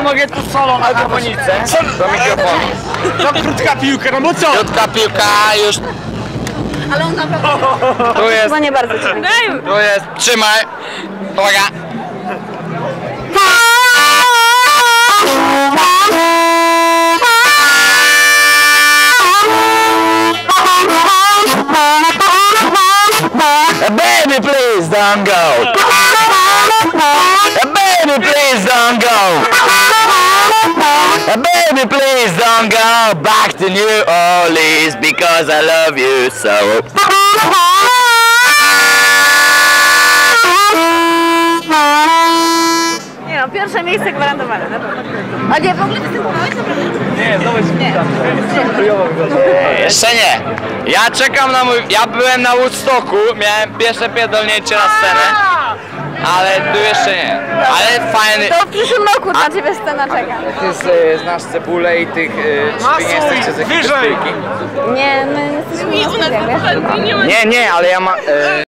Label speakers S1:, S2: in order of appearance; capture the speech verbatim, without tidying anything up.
S1: mogę tu solo na harmonice. Do mikrofonu.
S2: No krótka piłka, no bo co?
S1: Krótka piłka już.
S3: Ale on naprawdę...
S1: Tu jest.
S3: Chyba nie bardzo cię.
S1: Tu jest. Trzymaj. Uwaga. Baby, please don't go. Baby, please don't go. Baby, please don't go back to New Orleans because I love you so.
S3: Nie no, pierwsze miejsce gwarantowane, na pewno. A nie, w ogóle występowałeś naprawdę?
S2: Nie, znowu jest
S3: Nie.
S1: Nie, jeszcze nie. Ja czekam na mój... Ja byłem na Woodstocku, miałem pierwsze pierdolnięcie na scenę. Ale tu jeszcze nie. Ale fajny...
S3: To w przyszłym roku na ciebie scena czeka.
S1: Ty z, znasz cebulę i tych... Czy wy nie jesteście z jakiejś
S2: wyżej.
S1: szpilki?
S3: Nie, my jesteśmy na studiach, wiesz?
S1: Nie, nie, ale ja mam...